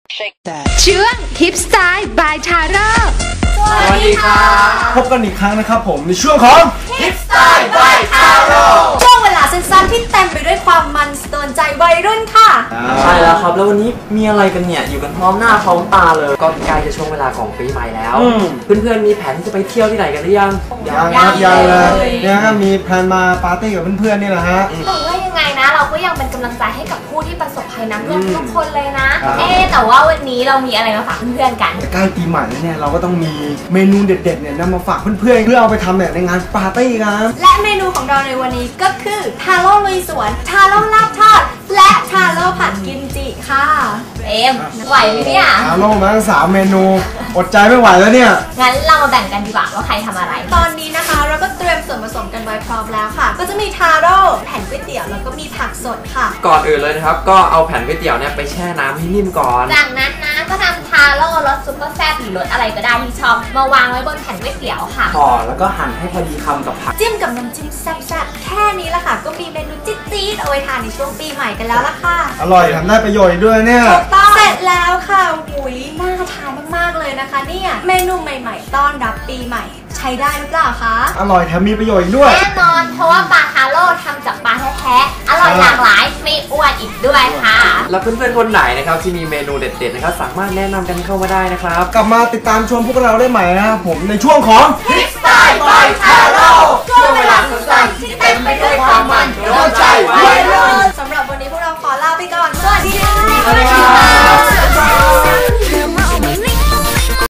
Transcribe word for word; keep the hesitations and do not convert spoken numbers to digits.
ช่วงฮิปสไตล์บายทาร่าสวัสดีครับพบกันอีกครั้งนะครับผมในช่วงของฮิปสไตล์บายทาร่าช่วงเวลาสั้นๆที่เต็มไปด้วยความมันสะเทือนใจวัยรุ่นค่ะใช่แล้วครับแล้ววันนี้มีอะไรกันเนี่ยอยู่กันพร้อมหน้าพร้อมตาเลยก็ใกล้จะช่วงเวลาของปีใหม่แล้วเพื่อนๆมีแผนที่จะไปเที่ยวที่ไหนกันหรือยังยังครับยังเลยเนี่ยครับมีแพลนมาปาร์ตี้กับเพื่อนๆนี่แหละฮะแต่ว่ายังไงนะเราก็ยังเป็นกำลังใจให้กับผู้ที่ประสบภัยน้ำท่วมทุกคนเลยนะเอ๊แต่ว่าวันนี้เรามีอะไรมาฝากเพื่อนๆกันใกล้ปีใหม่แล้วเนี่ยเราก็ต้องมีเมนูเด็ดๆเนี่ยนำมาฝากเพื่อนๆเพื่อเอาไปทำเนี่ยในงานปาร์ตี้กันและเมนูของเราในวันนี้ก็คือทาโร่ลุยสวนทาโร่ลาบทอดและทาโร่ผัดกิมจิค่ะเอ็มไหวไหมเนี่ยทาโร่มาทั้งสามเมนูอดใจไม่ไหวแล้วเนี่ยงั้นเรามาแบ่งกันดีกว่าว่าใครทำอะไรตอนนี้นะคะเราก็เตรียมส่วนผสมกันไว้พร้อมแล้วค่ะก็จะมีทาโร่แผ่นก๋วยเตี๋ยวแล้วก็มีผักสดค่ะก่อนอื่นเลยนะครับก็เอาแผ่นก๋วยเตี๋ยวเนี่ยไปแช่น้ำให้นิ่มก่อนจากนั้นนะก็ทำทาโร่รสซุปเปอร์แซ่บหรือรสอะไรก็ได้ที่ชอบมาวางไว้บนแผ่นก๋วยเตี๋ยวค่ะห่อแล้วก็หั่นให้พอดีคำกับผักจิ้มกับน้ำจิ้มแซ่บๆแค่นี้ละค่ะก็มีเมนูจี๊ดๆเอาไว้ทานในช่วงปีใหม่กันแล้วล่ะค่ะอร่อยทำได้ประโยชน์ด้วยเนี่ยเสร็จแล้วค่ะหุยน่าทานมากๆเลยนะคะเนี่ยเมนูใหม่ๆต้อนรับปีใหม่ใช้ได้หรือเปล่าคะอร่อยแถมมีประโยชน์ด้วยแน่นอนเพราะว่าปลาทาโร่ทำจากปลาแท้ๆอร่อยหลากหลายไม่อ้วนอีกด้วยค่ะแล้วเพื่อนๆคนไหนนะครับที่มีเมนูเด็ดๆนะครับสามารถแนะนำกันเข้ามาได้นะครับกลับมาติดตามชมพวกเราได้ใหม่นะครับผมในช่วงของฮิปสไตล์บายทา